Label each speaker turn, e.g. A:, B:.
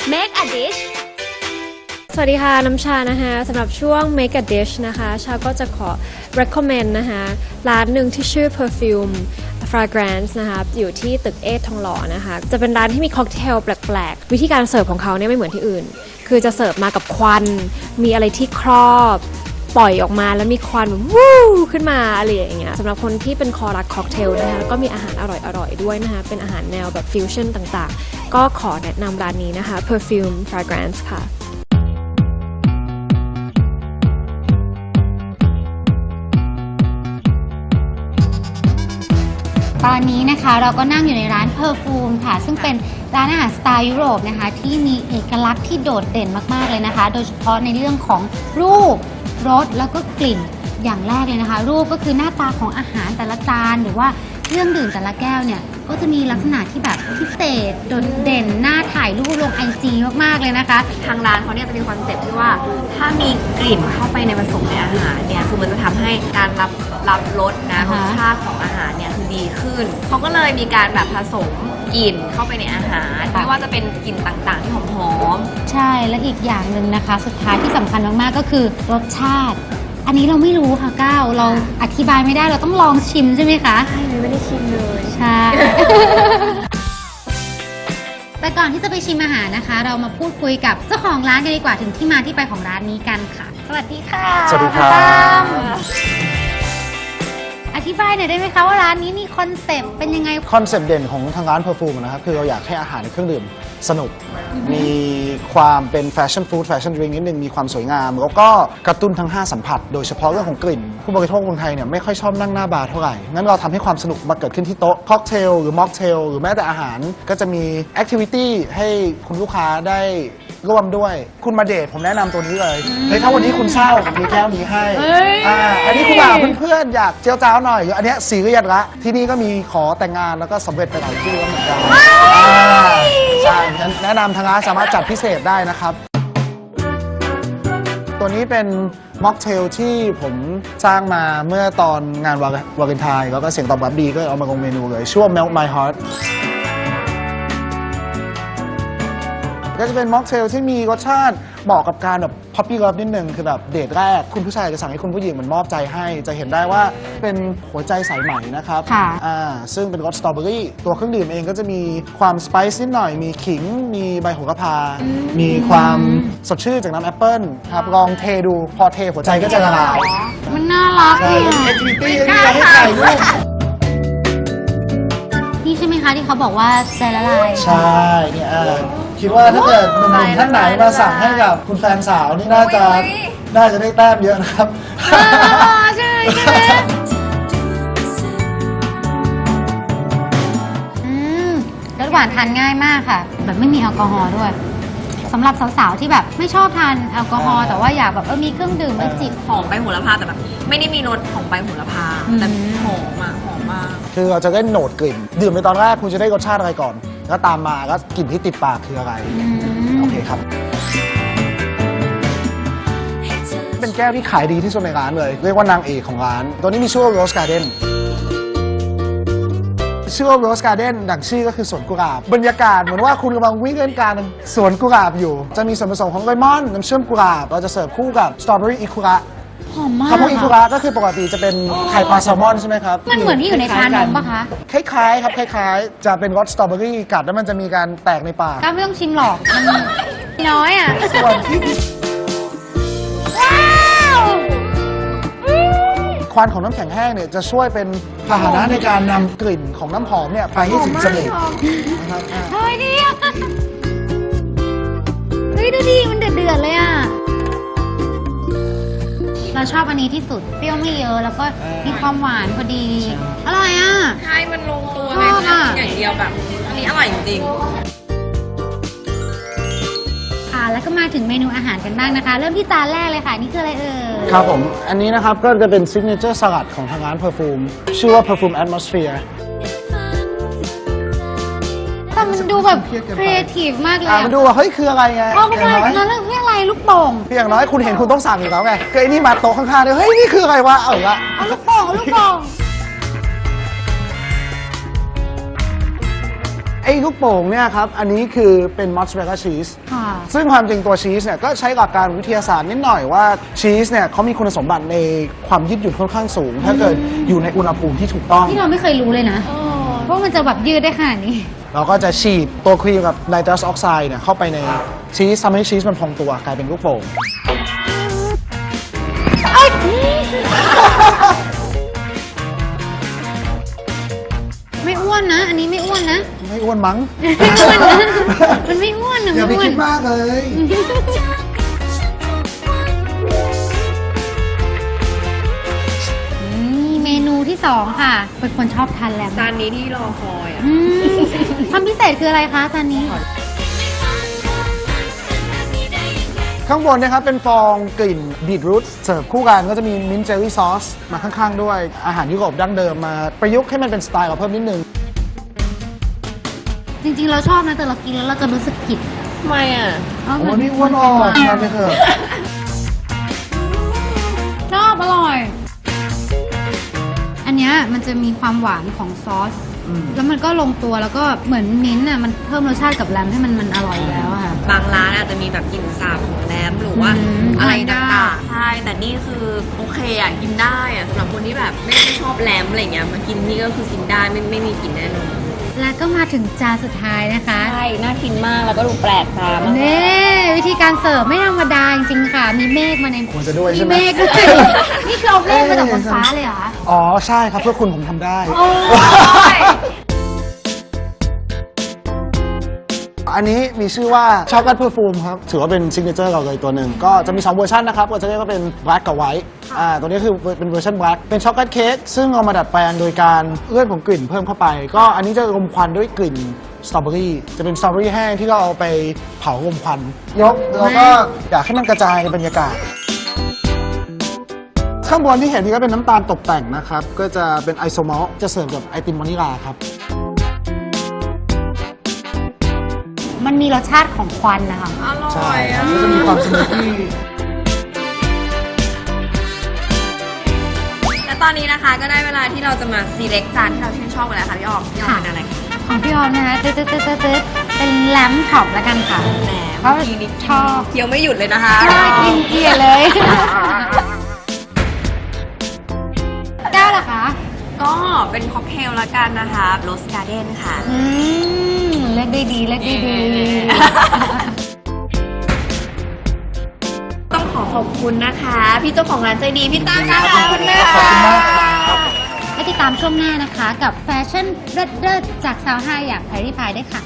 A: Make a dish
B: สวัสดีค่ะน้ำชานะคะสำหรับช่วง Make a Dish นะคะชาก็จะขอ recommend นะคะร้านหนึ่งที่ชื่อ Perfume Fragrance นะคะอยู่ที่ตึกเอททองหล่อนะคะจะเป็นร้านที่มีค็อกเทลแปลกๆวิธีการเสิร์ฟของเขาเนี่ยไม่เหมือนที่อื่นคือจะเสิร์ฟมากับควันมีอะไรที่ครอบปล่อยออกมาแล้วมีควันแบบวู้ขึ้นมาอะไรอย่างเงี้ยสำหรับคนที่เป็นคอรักค็อกเทลนะคะแล้วก็มีอาหารอร่อยๆด้วยนะคะเป็นอาหารแนวแบบฟิวชั่นต่างๆก็ขอแนะนำร้านนี้นะคะ Perfume Fragrance ค่ะ
C: ตอนนี้นะคะเราก็นั่งอยู่ในร้านเพอร์ฟูมค่ะซึ่งเป็นร้านอาหารสไตล์ยุโรปนะคะที่มีเอกลักษณ์ที่โดดเด่นมากๆเลยนะคะโดยเฉพาะในเรื่องของรูปรสแล้วก็กลิ่นอย่างแรกเลยนะคะรูปก็คือหน้าตาของอาหารแต่ละจานหรือว่าเครื่องดื่มแต่ละแก้วเนี่ยก็จะมีลักษณะที่แบบพิเศษโดดเด่นน่าถ่ายรูปลง IG มากๆเลยนะคะ
A: ทางร้านเขาเนี่ยจะมีคอนเซ็ปต์ที่ว่าถ้ามีกลิ่นเข้าไปในผสมในอาหารเนี่ยคือมันจะทำให้การรับรสนะรสชาติของอาหารเนี่ยคือดีขึ้นเขาก็เลยมีการแบบผสมกลิ่นเข้าไปในอาหารไม่ว่าจะเป็นกลิ่นต่างๆที่หอม
C: ๆใช่และอีกอย่างหนึ่งนะคะสุดท้ายที่สำคัญมากๆก็คือรสชาติอันนี้เราไม่รู้ค่ะก้าวเราอธิบายไม่ได้เราต้องลองชิมใช่ไหมคะ
B: ใช่ไม่ได้ชิมเลย
C: ใช่ แต่ก่อนที่จะไปชิมอาหารนะคะ เรามาพูดคุยกับเจ้าของร้านกันดีกว่าถึงที่มาที่ไปของร้านนี้กันค่ะสวัสดีค่ะ
D: สวัสดีครับ
C: อธิบายหน่อยได้ไหมคะว่าร้านนี้มีคอนเซปต์เป็นยังไง
D: คอนเซปต์เด่นของทางร้านเพอร์ฟูมนะครับคือเราอยากให้อาหารเครื่องดื่มสนุกมีความเป็นแฟชั่นฟู้ดแฟชั่นดริงก์นิดนึงมีความสวยงามแล้วก็กระตุ้นทั้ง5สัมผัสโดยเฉพาะเรื่องของกลิ่นผู้บริโภคคนไทยเนี่ยไม่ค่อยชอบนั่งหน้าบาร์เท่าไหร่งั้นเราทำให้ความสนุกมาเกิดขึ้นที่โต๊ะค็อกเทลหรือม็อกเทลหรือแม้แต่อาหารก็จะมีแอคทิวิตี้ให้คุณลูกค้าได้ร่วมด้วยคุณมาเดทผมแนะนำตัวนี้เลยเฮ้ยถ้าวันนี้คุณเศร้ามีแก้วนี้ให้อันนี้คุณมาเพื่อนๆอยากเจียวจ้าวหน่อยหรืออันนี้ซีเรียสละที่นี่ก็มีขอแต่งงานแล้วก็สำเร็จไปหลายที่แล้วเหมือนกันใช่แนะนำทางร้านสามารถจัดพิเศษได้นะครับตัวนี้เป็นม็อกเทลที่ผมสร้างมาเมื่อตอนงานวาเลนไทน์แล้วก็เสียงตอบรับดีก็เอามาลงเมนูเลยชื่อว่า Melt My Heartก็จะเป็นม็อกเทลที่มีรสชาติเหมาะกับการแบบพัพปี้เลิฟนิดนึงคือแบบเดทแรกคุณผู้ชายจะสั่งให้คุณผู้หญิงมันมอบใจให้จะเห็นได้ว่าเป็นหัวใจสายไหมนะครับซึ่งเป็นรสสตรอเบอรี่ตัวเครื่องดื่มเองก็จะมีความสไปซ์นิดหน่อยมีขิงมีใบโหระพามีความสดชื่นจากน้ำแอปเปิ้ลครับลองเทดูพอเทหัวใจก็จะละลาย
C: มันน่ารักเลย
D: แอคทิวิตี้ที่เราให้ถ่ายรูป
C: นี่ใช่ไหมคะที่เขาบอกว่าใจละลาย
D: ใช่เนี่ยคิดว่าถ้าเกิดหนุ่มๆท่านไหนมาสั่งให้กับคุณแฟนสาวนี่น่าจะได้แต้มเยอะนะครับ
C: ใช่รสหวานทานง่ายมากค่ะแบบไม่มีแอลกอฮอล์ด้วยสำหรับสาวๆที่แบบไม่ชอบทานแอลกอฮอล์แต่ว่าอยากแบบมีเครื่องดื่มไม่จิบ
A: หอมใบโหระพาแต่แบบไม่ได้มีรสของใบโหระพาแต่หอมมาก
D: คือเราจะได้โหนดกลิ่นดื่มในตอนแรกคุณจะได้รสชาติอะไรก่อนแล้วตามมาก็กลิ่นที่ติดปากคืออะไรโอเคครับเป็นแก้วที่ขายดีที่สุดในร้านเลยเรียกว่านางเอกของร้านตัวนี้มีชื่อว่า Rose Gardenชื่อว่า Rose Garden ดังชื่อก็คือสวนกุหลาบบรรยากาศเหมือนว่าคุณกำลังวิ่งเล่นการสวนกุหลาบอยู่จะมีส่วนผสมของเลมอนน้ำเชื่อมกุหลาบเราจะเสิร์ฟคู่กับสตรอเบอรี่อิคุระ
C: หอมมาก
D: คำว่าอิคุระก็คือปกติจะเป็นไข่ปลาแซลมอนใช่ไหมครับ
C: มันเหมือนที่อยู่ในชานมปะคะ
D: คล้ายๆครับคล้ายๆจะเป็นรสสตรอเบอรี่กัดแล้วมันจะมีการแตกในปาก
C: ก็ไม่ต้องชิมหรอกมันน้อยอ่ะ
D: ส่วนที่ควันของน้ำแข็งแห้งเนี่ยจะช่วยเป็นพาหนะในการนำกลิ่นของน้ำหอมเนี่ยไปให้ถึงจมูก
C: นะครับเฮ้ยดีอ่ะเฮ้ยดูดีมันเดือดเลยอ่ะเราชอบอันนี้ที่สุดเปรี้ยวไม่เยอะแล้วก็มีความหวานพอดีอร่อยอ่ะ
A: ใช่มันลงตัวเลยนะอย่างเดียวแบบอันนี้อร่อยจริง
C: แล้วก็มาถึงเมนูอาหารกันบ้างนะคะเริ่มที่จานแรกเลยค่ะนี่คืออะไร
D: ครับผมอันนี้นะครับก็จะเป็นซิกเนเจอร์สลัดของทางร้านเพอร์ฟูมชื่อว่า Perfume Atmosphere
C: แต่มันดูแบบครีเอทีฟมากเลย
D: มันดูว่าเฮ้ยคืออะไรไง
C: อย่างน้อยนั่นเรื่องอะไรลูกโป่ง
D: อย่างน้อยคุณเห็นคุณต้องสั่งอยู่แล้วไงคือไอ้นี่มาโต๊ะข้างๆเลยเฮ้ยนี่คืออะไรวะเอา
C: ลูกโป่ง
D: ไอ้ลูกโป่งเนี่ยครับ อันนี้คือเป็นมอสซาเรลล่าชีส
C: ค่ะ
D: ซึ่งความจริงตัวชีสเนี่ยก็ใช้หลักการวิทยาศาสตร์นิดหน่อยว่าชีสเนี่ยเขามีคุณสมบัติในความยืดหยุ่นค่อนข้างสูง ถ้าเกิดอยู่ในอุณหภูมิที่ถูกต้อง
C: ที่เราไม่เคยรู้เลยนะว่ามันจะแบบยืดได้ขนาดนี้
D: เราก็จะฉีดตัวครีมกับไนตรัสออกไซด์เนี่ยเข้าไปในชีสทำให้ชีสมันพองตัวกลายเป็นลูกโป่ง
C: ไม่อ้วนนะ อันนี้ไม่อ้วนนะ
D: ไม่อ้วนมั้ง
C: ไม่อ้วนนะ มันไม่อ้วนนะ
D: อย่าไป
C: ไม่อ้ว
D: คิ
C: น
D: ดมากเลย
C: นี่เมนูที่ 2 ค่ะ เป็นคนชอบทานแลม
A: จานนี้ที่รอคอยอ่ะ
C: อืมความพิเศษคืออะไรคะจานนี้
D: ข้างบนนะครับเป็นฟองกลิ่นบีทรูทเสิร์ฟคู่กันก็จะมีมิ้นท์เจลลี่ซอสมาข้างๆด้วยอาหารยุโรปดั้งเดิมมาประยุกต์ให้มันเป็นสไตล์เราเพิ่มนิดนึง
C: จริงๆ เราชอบนะ แต่เรากินแล้วเราจะรู้สึกผิด
A: ทำไมอ่ะ
C: เา
D: โอ้
C: มั
D: นี่อ้วนออกทานไปเถอะ
C: ชอบอร่อย อันเนี้ยมันจะมีความหวานของซอส แล้วมันก็ลงตัวแล้วก็เหมือนมิ้นท์อ่ะมันเพิ่มรสชาติกับแรมให้มันอร่อยแล้วอะค่ะ
A: บางร้านอาจจะมีแบบกลิ่นสาบของแรมหรือว่า
C: อืม
A: อะไร
C: ทานได้
A: ต่างๆใช่ แต่นี่คือโอเคอ่ะกินได้อ่ะสำหรับคนที่แบบไม่ชอบแรมอะไรเงี้ยมากินนี่ก็คือกินได้ไม่มีกลิ่นแน่นอน
C: แล้วก็มาถึงจานสุดท้ายนะคะ
A: ใช่ น่ากินมากแล้วก็ดูแปลกตามาก
C: นี่วิธีการเสิร์ฟไม่ธรรมดาจริงๆค่ะ มีเมฆมาใน
D: ควรจะด้วย
C: มี
D: ใช่ไหม
C: เมฆด้วย นี่คือเอาเมฆมาจากบนฟ้าเลยเหรอคะ
D: อ๋อใช่ครับเพื่อคุณผมทำได้
C: โอ้ย
D: อันนี้มีชื่อว่าช็อกโกแลตเพอร์ฟูมครับ ถือว่าเป็นซิกเนเจอร์เราเลยตัวหนึ่งก็จะมี 2 เวอร์ชันนะครับก็จะเรียกว่าเป็น black กับ white ตัวนี้คือเป็นเวอร์ชัน black เป็นช็อกโกแลตเค้กซึ่งเอามาดัดแปลงโดยการเลื่อนผงกลิ่นเพิ่มเข้าไป ก็อันนี้จะรมควันด้วยกลิ่นสตรอเบอรี่จะเป็นสตรอเบอรี่แห้งที่เราเอาไปเผารมควันยกแล้วก็อยากให้มันกระจายในบรรยากาศ ข้างบนที่เห็นนี่ก็เป็นน้ำตาลตกแต่งนะครับ ก็จะเป็นไอโซมอลจะเสิร์ฟกับไอติมวานิลาครับ
C: มันมีรสชาติของควันนะคะ
A: อร่
D: ใช่
A: อย
D: ครั
A: อ่ะ
D: บก็จะมีความสมูทตี้
A: และตอนนี้นะคะก็ได้เวลาที่เราจะมา select จานที่เราชื่นชอบกันแล้วค่ะพี่ออมพี่ออมเป็นอะไร
C: ของพี่ออมนะคะตึ๊ดเป็นแลมช็อปแล้วกันค่ะ
A: แหน
C: เพราะ
A: เมื่อกี้นี่
C: ชอบ
A: เคี้ยวไม่หยุดเลยนะคะ
C: น่ากินเกลียดเลย แก้วเหรอคะ
A: ก็เป็นค็อกเทลละกันนะคะโรสการ์เด้นค่ะ
C: เลือกได้ดีเลือกได้ดี
A: ต้องขอบคุณนะคะ พี่เจ้าของร้านใจดีพี่ตั้งนะคะ
D: ขอบคุณมากครับ
C: และติดตามช่วงหน้านะคะ กับแฟชั่นเลิศๆจากสาวไฮอย่างแพรรี่พายได้ค่ะ